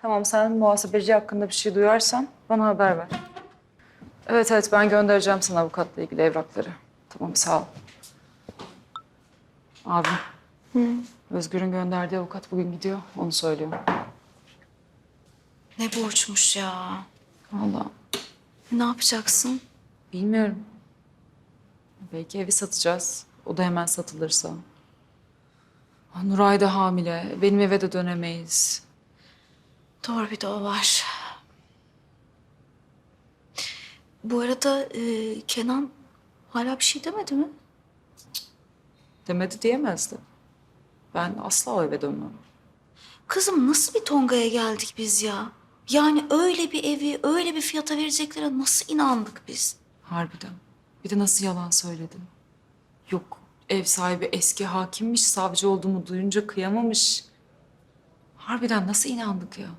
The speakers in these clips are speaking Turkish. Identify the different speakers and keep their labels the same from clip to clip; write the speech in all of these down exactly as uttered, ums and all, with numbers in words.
Speaker 1: Tamam, sen muhasebeci hakkında bir şey duyarsan bana haber ver. Evet evet, ben göndereceğim sana avukatla ilgili evrakları. Tamam, sağ ol. Abi. Hı. Özgür'ün gönderdiği avukat bugün gidiyor. Onu söylüyor.
Speaker 2: Ne borçmuş ya.
Speaker 1: Vallahi
Speaker 2: Ne yapacaksın?
Speaker 1: bilmiyorum. Belki evi satacağız. O da hemen satılırsa. Ah, Nuray da hamile. Benim eve de dönemeyiz.
Speaker 2: Doğru, bir de o var. Bu arada e, Kenan hala bir şey demedi mi?
Speaker 1: Demedi diyemezdi. Ben asla o eve dönmem.
Speaker 2: Kızım, nasıl bir Tonga'ya geldik biz ya? Yani öyle bir evi, öyle bir fiyata vereceklere nasıl inandık biz?
Speaker 1: Harbiden. Bir de nasıl yalan söyledim. Yok, ev sahibi eski hakimmiş, savcı olduğumu duyunca kıyamamış. Harbiden nasıl inandık ya?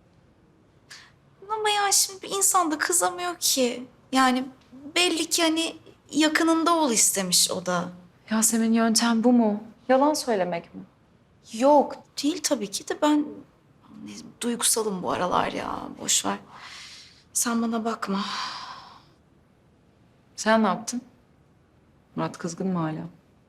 Speaker 2: Ama ya şimdi bir insan da kızamıyor ki. Yani belli ki hani yakınında ol istemiş o da.
Speaker 1: Yasemin, yöntem bu mu? Yalan söylemek mi?
Speaker 2: Yok değil tabii ki de ben ne, duygusalım bu aralar ya. Boş ver. Sen bana bakma.
Speaker 1: Sen ne yaptın? Murat kızgın mı hala?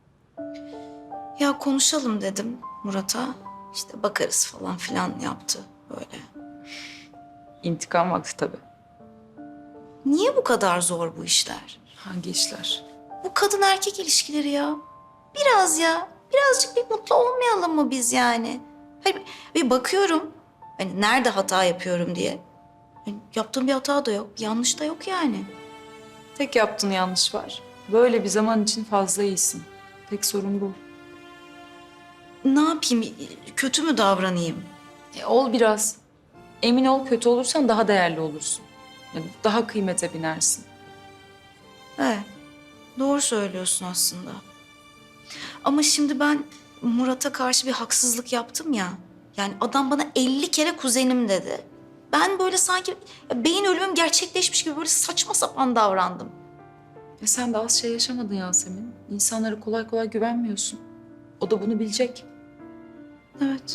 Speaker 2: Ya konuşalım dedim Murat'a. İşte bakarız falan filan yaptı böyle.
Speaker 1: İntikam vakti tabii.
Speaker 2: Niye bu kadar zor bu işler?
Speaker 1: Hangi işler?
Speaker 2: Bu kadın erkek ilişkileri ya. Biraz ya. Birazcık bir mutlu olmayalım mı biz yani? Hayır, bir bakıyorum. Hani nerede hata yapıyorum diye. Hani yaptığım bir hata da yok. Bir yanlış da yok yani.
Speaker 1: Tek yaptığın yanlış var. Böyle bir zaman için fazla iyisin. Tek sorun bu.
Speaker 2: Ne yapayım? Kötü mü davranayım?
Speaker 1: E, ol biraz. Emin ol, kötü olursan daha değerli olursun. Yani daha kıymete binersin.
Speaker 2: Evet. Doğru söylüyorsun aslında. Ama şimdi ben Murat'a karşı bir haksızlık yaptım ya. Yani adam bana elli kere kuzenim dedi. Ben böyle sanki ya beyin ölümüm gerçekleşmiş gibi böyle saçma sapan davrandım.
Speaker 1: Ya sen de az şey yaşamadın Yasemin. İnsanlara kolay kolay güvenmiyorsun. O da bunu bilecek.
Speaker 2: Evet.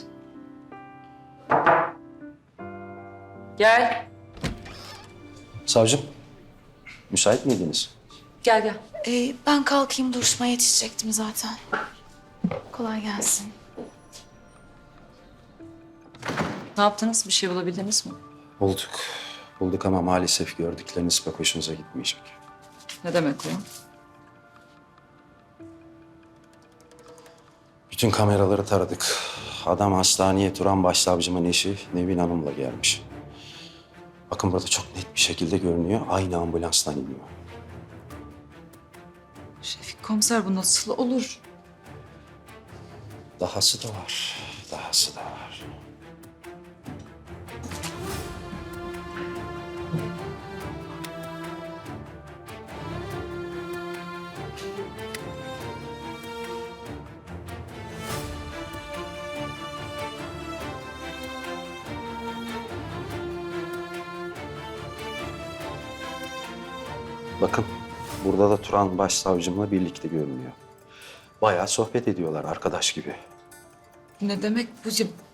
Speaker 1: Gel.
Speaker 3: Savcım, müsait miydiniz?
Speaker 1: Gel gel.
Speaker 2: Ee, ben kalkayım, duruşmaya yetişecektim zaten. Kolay gelsin.
Speaker 1: Ne yaptınız? Bir şey bulabildiniz mi?
Speaker 3: Bulduk. Bulduk ama maalesef gördükleriniz pek hoşunuza gitmeyecek.
Speaker 1: Ne demek o?
Speaker 3: Bütün kameraları taradık. Adam hastaneye Turan Başsavcımın eşi Nevin Hanım'la gelmiş. Bakın burada çok net bir şekilde görünüyor. Aynı ambulanstan iniyor.
Speaker 1: Şefik komiser, bu nasıl olur?
Speaker 3: Dahası da var. Dahası da var. Bakın, burada da Turan Başsavcımla birlikte görünüyor. Bayağı sohbet ediyorlar arkadaş gibi.
Speaker 1: Ne demek bu?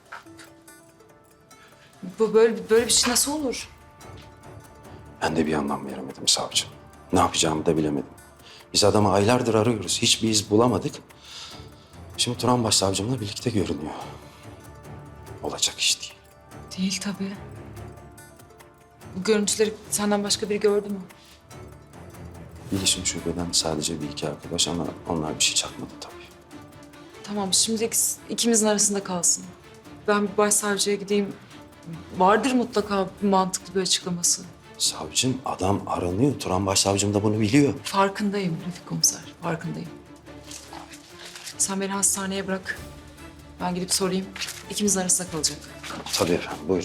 Speaker 1: Bu böyle, böyle bir şey nasıl olur?
Speaker 3: Ben de bir anlam veremedim savcı. Ne yapacağımı da bilemedim. Biz adamı aylardır arıyoruz. Hiçbir iz bulamadık. Şimdi Turan Başsavcımla birlikte görünüyor. Olacak iş değil.
Speaker 1: Değil tabii. Bu görüntüleri senden başka biri gördü mü?
Speaker 3: Bilişim şubeden sadece bir iki arkadaş ama onlar bir şey çakmadı tabii.
Speaker 1: Tamam, şimdi ikis- ikimizin arasında kalsın. Ben bir başsavcıya gideyim. Vardır mutlaka bir mantıklı bir açıklaması.
Speaker 3: Savcım, adam aranıyor. Turan Başsavcım da bunu biliyor.
Speaker 1: Farkındayım Refik komiser, farkındayım. Sen beni hastaneye bırak. Ben gidip sorayım. İkimizin arasında kalacak.
Speaker 3: Tabii efendim, buyurun.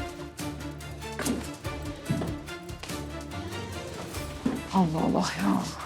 Speaker 1: Allah Allah ya.